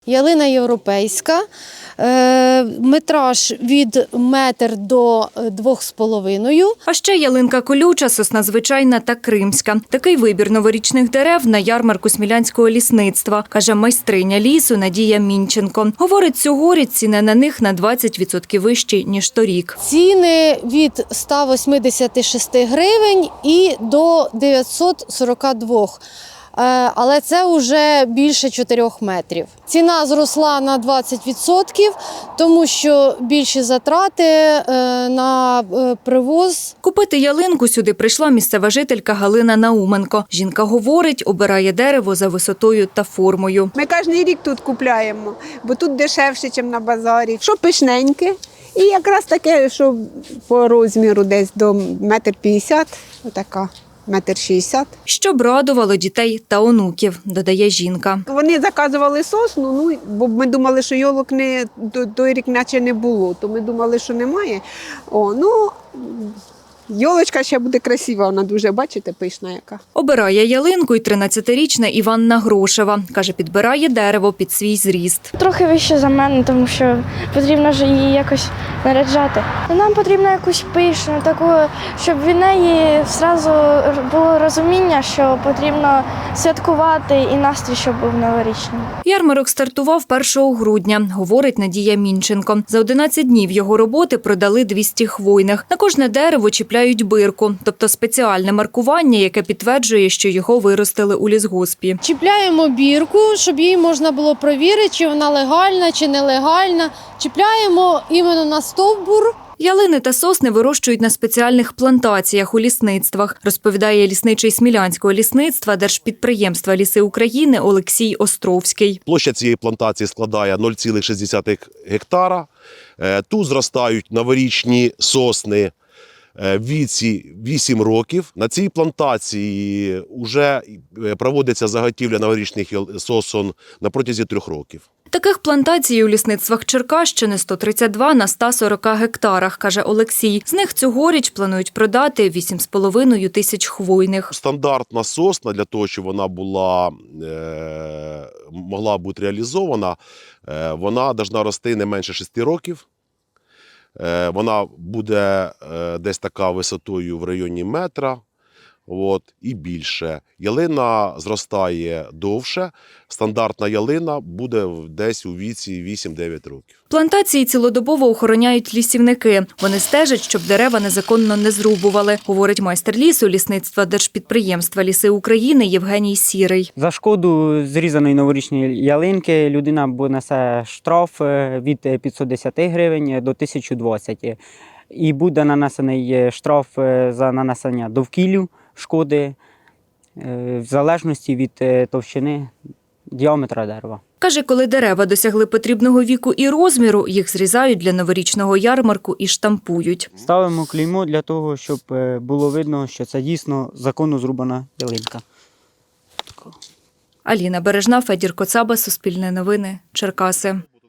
Ялина європейська, метраж від 1 до 2,5. А ще ялинка колюча, сосна звичайна та кримська. Такий вибір новорічних дерев на ярмарку Смілянського лісництва, каже майстриня лісу Надія Мінченко. Говорить, цьогоріч ціни на них на 20% вищі, ніж торік. Ціни від 186 гривень і до 942. Але це вже більше 4 метрів. Ціна зросла на 20%, тому що більші затрати на привоз. Купити ялинку сюди прийшла місцева жителька Галина Науменко. Жінка говорить, обирає дерево за висотою та формою. Ми кожен рік тут купуємо, бо тут дешевше, ніж на базарі. Що пишненьке. І якраз таке, що по розміру десь до 1,50 м, отака. 1,60 м. Щоб радувало дітей та онуків, додає жінка. Вони заказували сосну, бо ми думали, що йолок той рік наче не було, то ми думали, що немає. Йолочка ще буде красива, вона дуже, бачите, пишна яка. Обирає ялинку й 13-річна Іванна Грошева. Каже, підбирає дерево під свій зріст. Трохи вище за мене, тому що потрібно ж її якось наряджати. Нам потрібно якусь пишну, таку, щоб від неї одразу було розуміння, що потрібно святкувати і настрій, щоб був новорічний. Ярмарок стартував 1 грудня, говорить Надія Мінченко. За 11 днів його роботи продали 200 хвойних. На кожне дерево чіпляють бирку, тобто спеціальне маркування, яке підтверджує, що його виростили у лісгоспі. Чіпляємо бірку, щоб її можна було перевірити, чи вона легальна, чи нелегальна. Чіпляємо іменно на стовбур. Ялини та сосни вирощують на спеціальних плантаціях у лісництвах, розповідає лісничий Смілянського лісництва Держпідприємства «Ліси України» Олексій Островський. Площа цієї плантації складає 0,6 гектара. Тут зростають новорічні сосни в віці 8 років. На цій плантації вже проводиться заготівля новорічних сосон на протязі 3 років. Таких плантацій у лісництвах Черкащини 132 на 140 гектарах, каже Олексій. З них цьогоріч планують продати 8,5 тисяч хвойних. Стандартна сосна для того, щоб вона могла бути реалізована, вона повинна рости не менше 6 років. Вона буде десь така висотою в районі метра і більше. Ялина зростає довше, стандартна ялина буде десь у віці 8-9 років. Плантації цілодобово охороняють лісівники. Вони стежать, щоб дерева незаконно не зрубували, говорить майстер лісу лісництва Держпідприємства «Ліси України» Євгеній Сірий. За шкоду зрізаної новорічної ялинки людина несе штраф від 510 гривень до 1020. І буде нанесений штраф за нанесення довкіллю шкоди в залежності від товщини діаметра дерева. Каже, коли дерева досягли потрібного віку і розміру, їх зрізають для новорічного ярмарку і штампують. Ставимо клеймо для того, щоб було видно, що це дійсно законно зрубана ялинка. Аліна Бережна, Федір Коцаба, Суспільне новини, Черкаси.